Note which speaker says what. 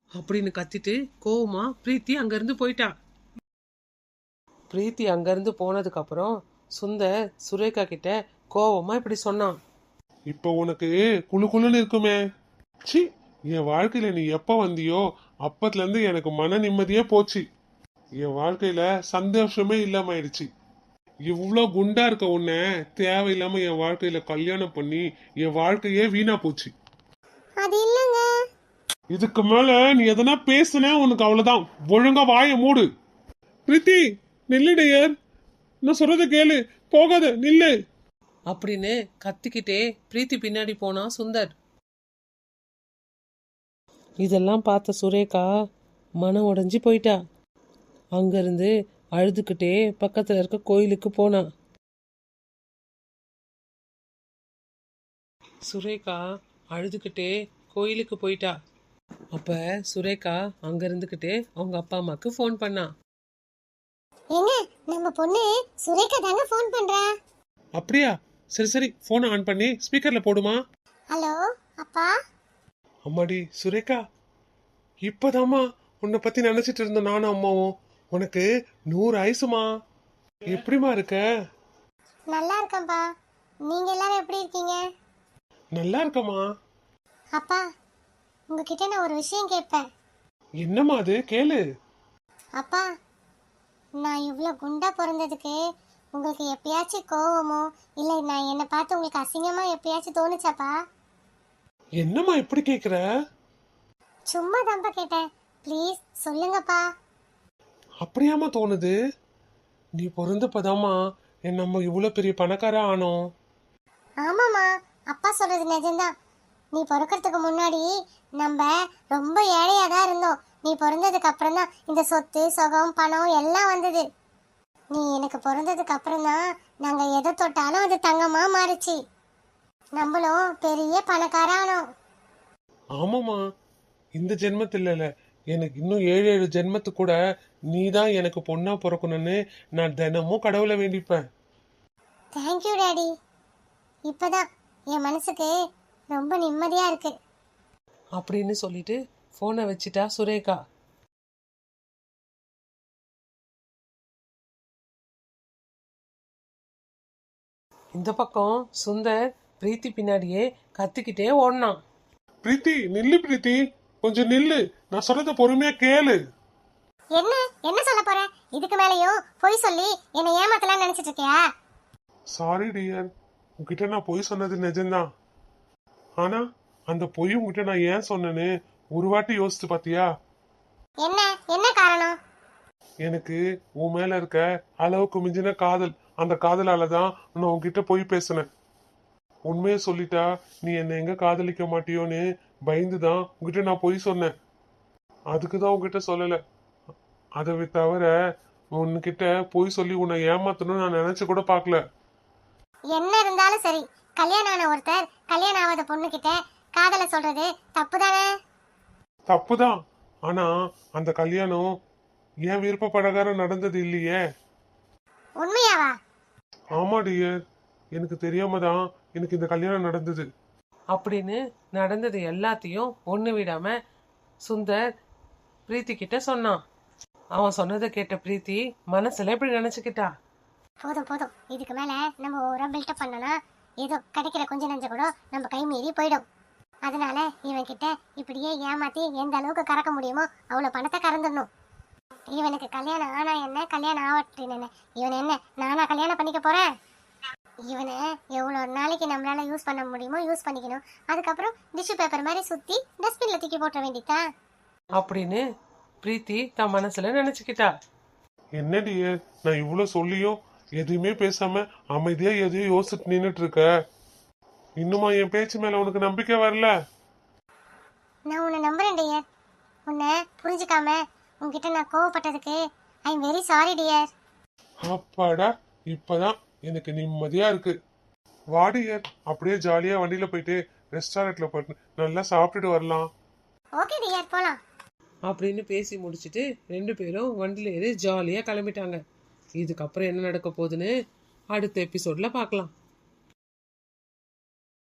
Speaker 1: அப்படின்னு கத்திட்டு கோவமா பிரீத்தி அங்கிருந்து போயிட்டா. பிரீத்தி அங்கிருந்து போனதுக்கு அப்புறம் சுந்தர் சுரேகா கிட்ட கோவமா இப்படி சொன்னான்.
Speaker 2: இப்போ உனக்கு குளு குளுன்னு இருக்குமே. சி, என் வாழ்க்கையில நீ எப்ப வந்தியோ அப்பத்துல இருந்து எனக்கு மன நிம்மதியே போச்சு. என் வாழ்க்கையில சந்தோஷமே இல்லாம ஆயிடுச்சு. இவ்வளோ குண்டா இருக்க உன்னை தேவையில்லாம என் வாழ்க்கையில கல்யாணம் பண்ணி என் வாழ்க்கையே வீணா போச்சு.
Speaker 3: அது இல்லங்க.
Speaker 2: இதுக்கு மேல நீ எதனா பேசுன உனக்கு அவ்வளவுதான். ஒழுங்கா வாயை மூடு. பிரீத்தி, நில்லுடையர், நான் சொல்றத கேளு, போகாத, நில்லு
Speaker 1: அப்படின்னு கத்திக்கிட்டே பிரீத்தி பின்னாடி போனா சுந்தர். இதெல்லாம் பார்த்த சுரேகா மனம் உடைஞ்சு போயிட்டா. அங்கிருந்து அழுதுகிட்டே பக்கத்துல இருக்க கோயிலுக்கு போனா. சுரேகா அழுதுகிட்டே கோயிலுக்கு போயிட்டா. அப்ப சுரேகா அங்க இருந்துகிட்டே அவங்க அப்பா அம்மாக்கு ஃபோன் பண்ணா.
Speaker 3: ஏங்க, நம்ம பொண்ணு சுரேகா தாங்க ஃபோன் பண்றா.
Speaker 2: அப்படியா? சரி சரி, போனை ஆன் பண்ணி ஸ்பீக்கர்ல போடுமா.
Speaker 3: ஹலோ அப்பா.
Speaker 2: அம்மாடி சுரேகா, இப்பதாம்மா உன்னை பத்தி நினைச்சிட்டு இருந்த நானும் அம்மாவும். உனக்கு 100 ஆயுசுமா. எப்படிமா இருக்க?
Speaker 3: நல்லா இருக்கேன்ப்பா. நீங்க எல்லாரும் எப்படி இருக்கீங்க?
Speaker 2: நல்லா இருக்கமா.
Speaker 3: அப்பா, உங்ககிட்ட நான் ஒரு விஷயம் கேட்பேன்.
Speaker 2: என்னம்மா அது? கேளு.
Speaker 3: அப்பா, நான் இவ்வளோ குண்டா பிறந்ததுக்கு உங்களுக்கு எப்பயாச்சும் கோவமோ இல்லை நான் என்னை பார்த்து உங்களுக்கு அசிங்கமா எப்பயாச்சும் தோணுச்சாப்பா?
Speaker 2: என்னம்மா இப்படி கேக்குற?
Speaker 3: சும்மா தான்ப்பா கேட்டேன், ப்ளீஸ் சொல்லுங்கப்பா.
Speaker 2: அப்படியாம்மா தோணுது? நீ பிறந்தப்பதாம்மா நம்ம இவ்வளவு பெரிய பணக்கார ஆனோம்.
Speaker 3: ஆமாம்மா, அப்பா சொல்றது நிஜம்தான். நீ பிறக்கிறதுக்கு முன்னாடி நம்ம ரொம்ப ஏழையாக தான் இருந்தோம். நீ பிறந்ததுக்கு அப்புறம் தான் இந்த சொத்து சுகம் பணம் எல்லாம் வந்தது. நீ எனக்கு பிறந்ததுக்கு அப்புறம் தான் நாங்கள் எதை தொட்டாலும் அது தங்கமா மாறிச்சு. நம்மளும் பெரிய பணக்காரானோம்.
Speaker 2: ஆமாம்மா, இந்த ஜென்மத்துல இல்ல, எனக்கு இன்னும் 7 ஜென்மத்து கூட நீ தான் எனக்கு பொண்ணா பிறக்கணும்னு நான் தினமும் கடவுளை வேண்டிப்பேன்.
Speaker 3: Thank you daddy. இப்பதான் என் மனசுக்கு ரொம்ப நிம்மதியா இருக்கு.
Speaker 1: அப்படின்னு சொல்லிட்டு போனை வச்சிட்டா சுரேகா. இந்த பக்கம் சுந்தர் பிரீத்தி பின்னாடியே கத்திக்கிட்டே ஓடினான்.
Speaker 2: பிரீத்தி, நில்லு பிரீத்தி, கொஞ்சம் நில்லு, நான் சொல்றத பொறுமையா கேளு.
Speaker 3: என்ன என்ன சொல்ல போற? இதுக்கு மேலயும் பொய் சொல்லி என்னை ஏமாத்தலாம் நினைச்சிட்டு இருக்கியா?
Speaker 2: சாரி டியர், உன்கிட்ட நான் பொய் சொன்னது நிஜம்தான். ஆனா அந்த பொய் உன்கிட்ட நான் ஏன் சொன்னேன்னு ஒரு வாட்டி யோசிச்சு பாத்தியா?
Speaker 3: என்ன என்ன காரணம்?
Speaker 2: எனக்கு உன் மேல இருக்க அளவுக்கு மிஞ்சின காதல், அந்த காதலால தான் நான் உன்கிட்ட பொய் பேசினேன். உண்மையை சொல்லிட்டா நீ என்னை எங்க காதலிக்க மாட்டியோன்னு பயந்துதான் உன்கிட்ட நான் பொய் சொன்னேன். அதுக்குதான் உன்கிட்ட சொல்லல. அதை தவிர உன்கிட்ட பொய் சொல்லி உன்னை ஏமாத்தணும்னு நான் நினைச்சு கூட பாக்கல.
Speaker 3: என்ன இருந்தாலும் சரி, கல்யாணம் ஆன ஒருத்தர் கல்யாணம் ஆகாத பொண்ணு கிட்ட காதல சொல்றது தப்பு தானே?
Speaker 2: தப்புதான். ஆனா அந்த கல்யாணம் என் விருப்ப பிரகாரம் நடந்தது இல்லையே.
Speaker 3: உண்மையாவா?
Speaker 2: ஆமா டியர், எனக்கு தெரியாம தான் எனக்கு இந்த கல்யாணம் நடந்தது.
Speaker 1: அப்படின்னு நடந்தது எல்லாத்தையும் ஒண்ணு விடாம சுந்தர் பிரீத்தி கிட்ட சொன்னான். அவன் சொன்னதை கேட்ட பிரீத்தி மனசுல இப்படி நினைச்சுக்கிட்டா.
Speaker 3: போதும் போதும், இதுக்கு மேல நம்ம ஓவரா பில்டப் பண்ணனா ஏதோ கிடைக்கிற கொஞ்ச நஞ்ச கூட நம்ம கை மீறி போயிடும். அதனால இவன் கிட்ட இப்படியே ஏமாத்தி எந்த அளவுக்கு கறக்க முடியுமோ அவ்வளவு பணத்தை கறந்துடணும். இவனுக்கு கல்யாணம் ஆனா என்ன, கல்யாணம் ஆவட்டின்னு என்ன, இவன் என்ன நானா கல்யாணம் பண்ணிக்க போறேன்? இவனை எவ்வளோ நாளைக்கு நம்மளால யூஸ் பண்ண முடியுமோ யூஸ் பண்ணிக்கணும். அதுக்கப்புறம் டிஷ்யூ பேப்பர் மாதிரி சுத்தி டஸ்ட்பின்ல தூக்கி போட்ட வேண்டியதா
Speaker 1: அப்படின்னு பிரீத்தி தன் மனசுல நினைச்சுக்கிட்டா.
Speaker 2: என்ன டியர், நான் இவ்வளவு சொல்லியும் எதுவுமே பேசாம அமைதியா எதையும் யோசிச்சுட்டு நின்னுட்டு இருக்க. இன்னுமா என் பேச்சு மேல உனக்கு நம்பிக்கை வரல?
Speaker 3: நான் உன்னை நம்புறேன் டியர். உன்னை புரிஞ்சுக்காம உன்கிட்ட நான் கோவப்பட்டதுக்கு I am very sorry dear.
Speaker 2: அப்பாடா, இப்பதான் எனக்கு நிம்மதியா இருக்கு. வாடியர், அப்படியே ஜாலியா வண்டியில போயிட்டு ரெஸ்டாரண்ட்ல போயிட்டு நல்லா சாப்பிட்டுட்டு வரலாம்.
Speaker 3: ஓகே டியர், போலாம்.
Speaker 1: அப்படின்னு பேசி முடிச்சுட்டு 2 பேரும் வண்டியில ஏறி ஜாலியா கிளம்பிட்டாங்க. இதுக்கப்புறம் என்ன நடக்க போகுதுன்னு அடுத்த எபிசோட்ல பார்க்கலாம்.